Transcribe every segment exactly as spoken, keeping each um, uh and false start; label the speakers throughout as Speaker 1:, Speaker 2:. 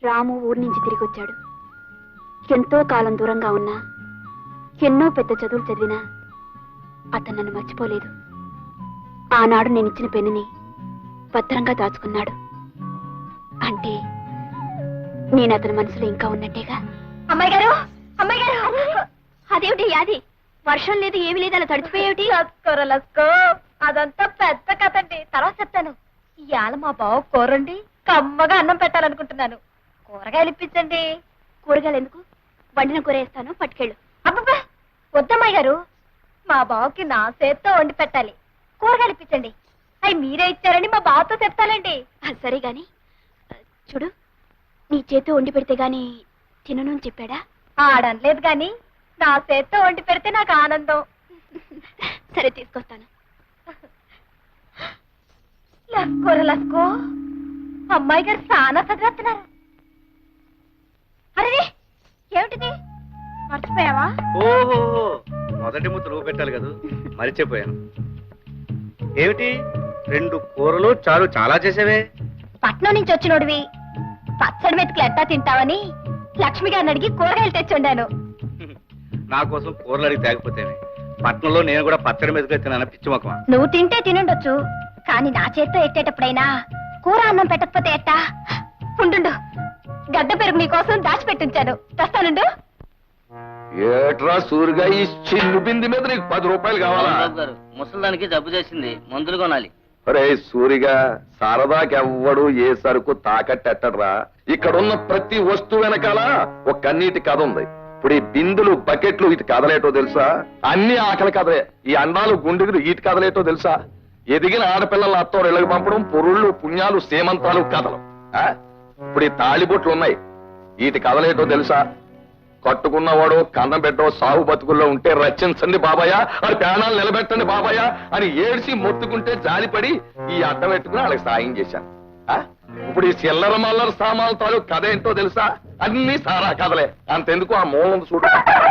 Speaker 1: రాము ఊరి నుంచి తిరిగి వచ్చాడు. ఎంతో కాలం దూరంగా ఉన్నా, ఎన్నో పెద్ద చదువులు చదివినా అతను నన్ను మర్చిపోలేదు. ఆనాడు నేను ఇచ్చిన పెన్నుని భద్రంగా దాచుకున్నాడు. అంటే నేను అతని మనసులో ఇంకా ఉన్నట్టేగా. అమ్మాయి గారు, అమ్మాయి గారు, అదేమిటి యాది? వర్షం లేదు, ఏమి లేదు, అలా తడిచిపోయేమిటి?
Speaker 2: లస్కో అదంతా పెద్ద కథండి, తర్వాత చెప్తాను. ఇవాళ మా బావ కూరండి కమ్మగా అన్నం పెట్టాలనుకుంటున్నాను. కూరగాయలు ఇప్పించండి.
Speaker 1: కూరగాయలు ఎందుకు? వండిన కూర వేస్తాను, పట్టుకెళ్ళు.
Speaker 2: అబ్బబ్బా వద్దమ్మాయి గారు, మా బావకి నా చేత్తో వండి పెట్టాలి. కూరగాయలు ఇప్పించండి. అవి మీరే ఇచ్చారని మా బావతో చెప్తానండి.
Speaker 1: సరే గాని చూడు, నీ చేతితో వండి పెడితే గాని తినను అని చెప్పాడా?
Speaker 2: ఆడనలేదు గాని నా చేత్తో వండి పెడితే నాకు ఆనందం.
Speaker 1: సరే తీసుకొస్తాను.
Speaker 2: లస్కోర లస్కో, అమ్మాయి గారు చాలా చదివేస్తున్నారు. అరే ఏమిటిది, మర్చిపోయావా?
Speaker 3: ఓహో, మొదటి ముద్ద నువ్వు పెట్టాలి కదా, మరిచిపోయాను. ఏమిటి రెండు కూరలు చాలు చాలా చేసేవే?
Speaker 2: పట్నం నుంచి వచ్చినోడివి పచ్చడి మెతుకులు ఎట్టా తింటావని లక్ష్మి గారిని అడిగి కూరగాయలు తెచ్చుండాను.
Speaker 3: నా కోసం కూరలు అడిగి తేకపోతేనే. పట్నంలో నేను కూడా పచ్చడి మెతుకులు తిన్నాను, పిచ్చి మొక్కమా.
Speaker 2: నువ్వు తింటే తినుండొచ్చు, కానీ నా చేత్తో ఎట్టేటప్పుడైనా కూర అన్నం పెట్టకపోతే ఎట్టా? ఉండు, గడ్డ పెరుగు నీకోసం దాచిపెట్టించాను, తెస్తానుండు.
Speaker 4: ఏట్రా సూరిగా ఈ చిల్లు బింది మీద నీకు పది రూపాయలు కావాలా?
Speaker 5: ముసలానికి జబ్బు చేసింది, మందులు కొనాలి.
Speaker 4: అరే సూరిగా, సరదాకెవ్వడు ఏ సరుకు తాకట్టెట్టడ్రా. ఇక్కడున్న ప్రతి వస్తువు వెనకాల ఒక కన్నీటి కథ ఉంది. ఇప్పుడు ఈ బిందులు బకెట్లు ఇటు కదలేటో తెలుసా? అన్ని ఆకలి కదలే. ఈ అండాలు గుండెలు ఇటు కదలేటో తెలుసా? ఎదిగిన ఆడపిల్లల అత్తో ఇళ్ళకి పంపడం, పొరుళ్ళు పుణ్యాలు సేమంతాలు కథలు. ఇప్పుడు ఈ తాళిబొట్లు ఉన్నాయి, వీటి కదలేటో తెలుసా? కట్టుకున్నవాడు కన్నం పెట్టో సాగు బతుకుల్లో ఉంటే రచించండి బాబాయ్, అది ప్రాణాలు నిలబెట్టండి బాబాయ్ అని ఏడ్చి మొత్తుకుంటే జాలిపడి ఈ అడ్డం పెట్టుకుని వాళ్ళకి సాయం చేశాను. ఇప్పుడు ఈ చిల్లర మల్లర సామాన్ల తాలూ కథ ఏంటో తెలుసా? అన్ని సారా కథలే. అంతెందుకు ఆ మూలం చూడు,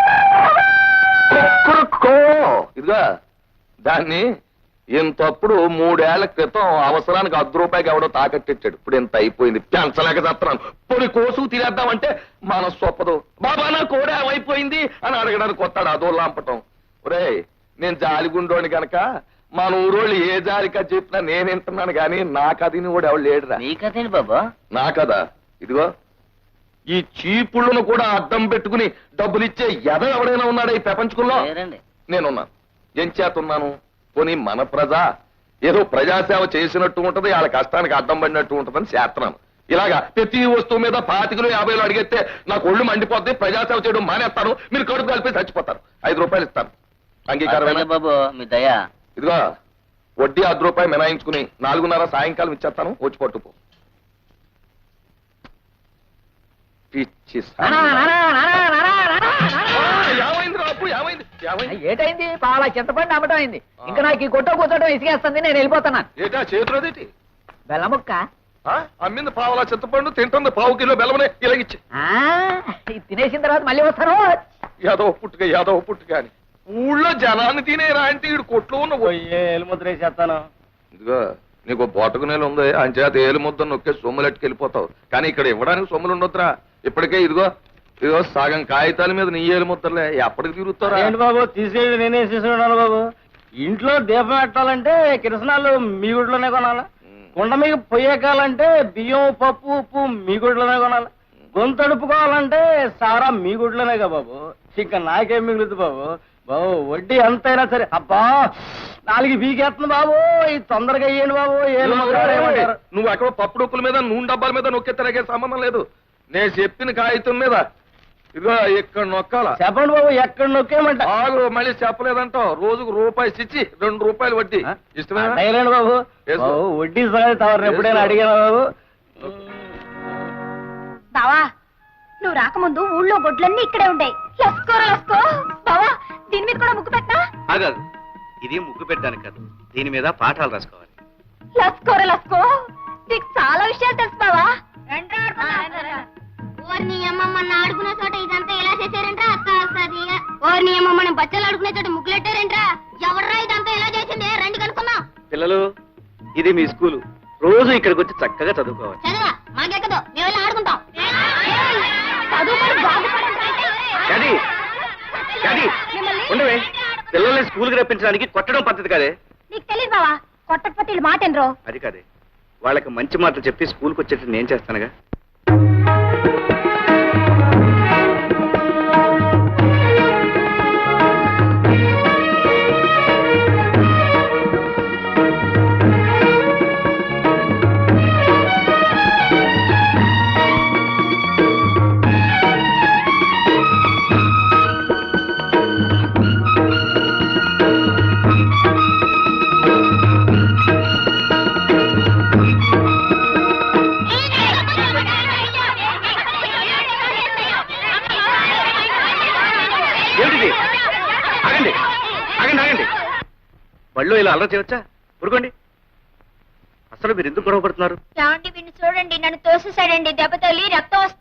Speaker 4: ఇదిగా దాన్ని ఇంతప్పుడు మూడేళ్ల క్రితం అవసరానికి అర్ధ రూపాయికి ఎవడో తాకట్టిచ్చాడు. ఇప్పుడు ఇంత అయిపోయింది, పెంచలేక చేస్తున్నాను. పొడి కోసు తినేద్దామంటే మనస్సు ఒప్పదు. బాబా నా కోడే అయిపోయింది అని అడగడానికి వస్తాడు, అదో లాంపటం. ఒరే నేను జాలిగుండోని గనక మన ఊరోళ్ళు ఏ జాలికా చెప్పినా నేను వింటున్నాను గాని నా కథని కూడా ఎవడు లేడురా.
Speaker 5: నీ కథేంటి బాబా?
Speaker 4: నా కదా ఇదిగో, ఈ చీపుళ్ళను కూడా అడ్డం పెట్టుకుని డబ్బులిచ్చే ఎద ఎవడైనా ఉన్నాడా ఈ ప్రపంచంలో? నేనున్నాను. ఏం చేతున్నాను? పోనీ మన ప్రజ ఏదో ప్రజాసేవ చేసినట్టు ఉంటది, వాళ్ళ కష్టానికి అడ్డం పడినట్టు ఉంటదని చేస్తున్నాను. ఇలాగా ప్రతి వస్తువు మీద పాతికలు యాభైలు అడిగితే నాకు ఒళ్ళు మండిపోద్ది, ప్రజాసేవ చేయడం మానేస్తాను, మీరు కడుపు కలిపి చచ్చిపోతారు. ఐదు రూపాయలు ఇస్తాను, అంగీకారమేనా
Speaker 5: బాబు? మీ దయా.
Speaker 4: ఇదిగో వడ్డీ అర్ధ రూపాయలు మినాయించుకుని నాలుగున్నర సాయంకాలం ఇచ్చేస్తాను, వచ్చి పట్టుకో. పిచ్చి
Speaker 6: ఏటైంది? పాల చింతపండు అమ్మటం అయింది. ఇంకా నాకు ఈ కొట్ట కూర్చోటం ఇసుకేస్తుంది, నేను వెళ్ళిపోతున్నాను.
Speaker 4: ఏటా చేతులదేటి?
Speaker 6: బెల్లముక్క
Speaker 4: అమ్మింది పావులా చింతపండు, తింటుంది పావు కిలో బెల్లమనే ఇలాగిచ్చి.
Speaker 6: తినేసిన తర్వాత మళ్ళీ వస్తాను.
Speaker 4: యాదవ పుట్టుక యాదవ పుట్టుక అని ఊళ్ళో జనాన్ని తినేరా అంటే ఈడు కొట్లో ఉన్న
Speaker 3: ఏలుముద్ర వేసేస్తాను.
Speaker 4: ఇదిగో నీకు బోటకు నేలు ఉంది, అంచేత ఏలు ముద్ద నొక్కే సొమ్ములెట్టుకు వెళ్ళిపోతావు. కానీ ఇక్కడ ఇవ్వడానికి సొమ్ములు ఉండొద్దురా. ఇప్పటికే ఇదిగో ఇదిగో సగం కాగితాల మీద నీ ఏలు ముద్దలే, ఎప్పటికి తిరుగుతారా?
Speaker 3: ఏంటి బాబు తీసేది? నేనే తీసుకున్నాను బాబు. ఇంట్లో దీపం పెట్టాలంటే కిరసనాలు మీ గుడిలోనే కొనాలి, కుండ మీకు పొయ్యకాలంటే బియ్యం పప్పు ఉప్పు మీ గుడిలోనే కొనాలి, గొంతు అడుపుకోవాలంటే సారా మీ గుడిలోనే కదా బాబు. ఇంకా నాకేం మిగులుతుంది బాబు? బాబు వడ్డీ ఎంతైనా సరే. అబ్బా నాలుగు బీకేస్తుంది బాబు, ఇది తొందరగా అయ్యండి బాబు. ఏలు
Speaker 4: నువ్వు ఎక్కడ పప్పు డొక్కుల మీద నూనె డబ్బాల మీద నొక్కే తిరగే సంబంధం లేదు. నేను చెప్పిన కాగితం మీద ఇదిగో ఇక్కడ నొక్కాల.
Speaker 3: చెప్పండి బాబు, ఎక్కడ నొక్కేయమంట?
Speaker 4: ఆగు, మళ్ళీ చెప్పలేదంటావు. రోజుకు రూపాయి ఇచ్చి రెండు రూపాయలు వడ్డీ. ఇష్టమేనా
Speaker 3: బాబు? వడ్డీ తవరు ఎప్పుడైనా అడిగాను బాబు.
Speaker 2: బావా నువ్వు రాకముందు ఊళ్ళో గొడ్లన్నీ ఇక్కడే ఉంటాయి. లస్కోర లస్కో బావా, దీని మీద కూడా ముగ్గు పెట్టా?
Speaker 3: ఆగదు, ఇది ముగ్గు పెట్టడానికి కాదు, దీని మీద పాఠాలు రాసుకోవాలి.
Speaker 2: లస్కోర లస్కో, నీకు చాలా విషయాలు తెలుసు బావా.
Speaker 1: ఓర్ని అమ్మమ్మని ఆడుకునే చోట ఇదంతా ఎలా చేశారంట్రా? అక్క వస్తుంది. ఓర్ని అమ్మమ్మని బచ్చలు ఆడుకునే చోట ముగ్గులెట్టారంట్రా? ఎవర్రా ఇదంతా ఎలా చేసింది? రండి కనుక్కుందాం.
Speaker 3: పిల్లలు, ఇది మీ స్కూలు, రోజు ఇక్కడికి వచ్చి చక్కగా చదువుకోవాలి.
Speaker 1: చదవా మాకెక్కదు, మేము వెళ్ళి ఆడుకుంటాం.
Speaker 3: పిల్లల్ని స్కూల్కి రప్పించడానికి కొట్టడం పద్ధతి కాదే.
Speaker 2: నీకు తెలియదు బావా, కొట్టకపోతే వీళ్ళు మాట ఎనరు.
Speaker 3: అది కాదే, వాళ్ళకి మంచి మాటలు చెప్పి స్కూల్కి వచ్చేట్టు నేను చేస్తానుగా. ఏంటిది? ఆగండి ఆగండి ఆగండి, బళ్ళు ఇలా అల్లరి చేయవచ్చా? ఊరుకోండి. అసలు మీరు ఎందుకు గొడవ పడుతున్నారు?
Speaker 2: చూడండి, నన్ను తోసేసాడండి, దెబ్బ తగిలి రక్తం